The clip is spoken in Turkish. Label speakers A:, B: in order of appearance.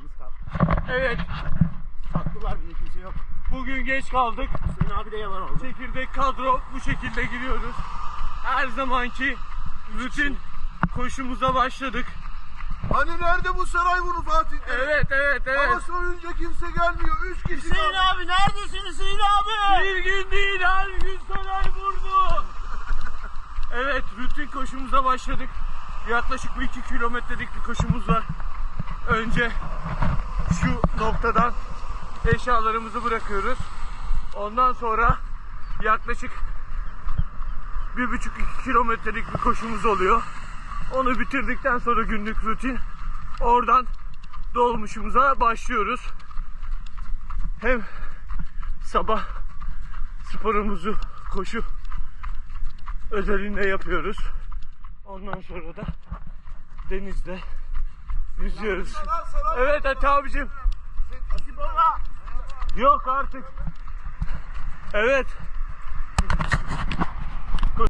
A: Yalnız kal.
B: Evet.
A: Sattılar bile, kimse yok.
B: Bugün geç kaldık.
A: Hüseyin abi de yalan oldu.
B: Çekirdek kadro bu şekilde giriyoruz. Her zamanki rutin koşumuza başladık.
C: Hani nerede bu Sarayburnu Fatih'te?
B: Evet.
C: Hava soyunca kimse gelmiyor. 3 kişi
A: Hüseyin
C: kaldı.
A: abi neredesin Hüseyin abi?
B: Bir gün değil, her gün Sarayburnu. Evet, rutin koşumuza başladık. Yaklaşık bir 2 kilometrelik bir koşumuz var. Önce şu noktadan eşyalarımızı bırakıyoruz. Ondan sonra yaklaşık 1,5-2 kilometrelik bir koşumuz oluyor. Onu bitirdikten sonra günlük rutin. Oradan dolmuşumuza başlıyoruz. Hem sabah sporumuzu koşu özelinde yapıyoruz. Ondan sonra da denizde yüzüyoruz. Evet Ati abicim. Yok artık. Evet.